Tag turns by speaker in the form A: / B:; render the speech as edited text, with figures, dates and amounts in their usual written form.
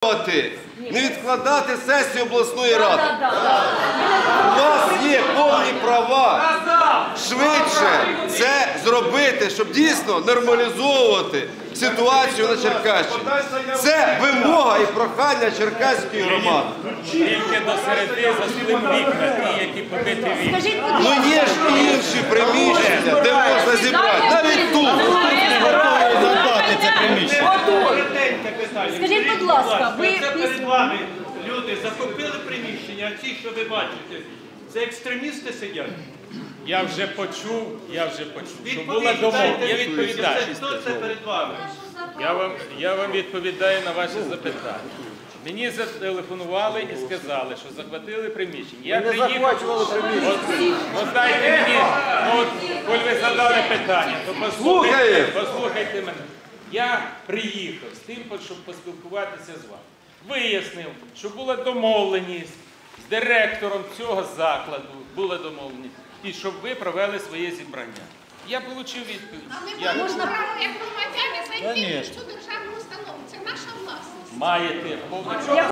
A: підтримувати, не відкладати сесію обласної ради. У вас є повні права швидше це зробити, щоб дійсно нормалізовувати ситуацію на Черкащині. Це вимога і прохання черкаської громади.
B: Тільки до середи заслим вікна, ті, які побиті вікна.
A: Ну є ж і інші приміщення, де можна зібрати. Навіть тут.
C: Скажіть, будь ласка, ви
D: перед вами люди закупили приміщення, а ці, що ви бачите, це екстремісти сидять.
B: Я вже почув, що була домовленість. Я відповідаю.
D: Хто це перед вами?
B: Я вам відповідаю на ваші запитання. Мені зателефонували і сказали, що захватили приміщення. Я приїхав. От дайте мені, коли ви задали питання, то послухайте мене. Я приїхав з тим, щоб поспілкуватися з вами. Вияснив, що була домовленість з директором цього закладу, була домовленість, і щоб ви провели своє зібрання. Я отримав відповідь.
E: Але ми можемо право, як громадяни, зайти в цю державну установу. Це наша власність.
B: Маєте повне право.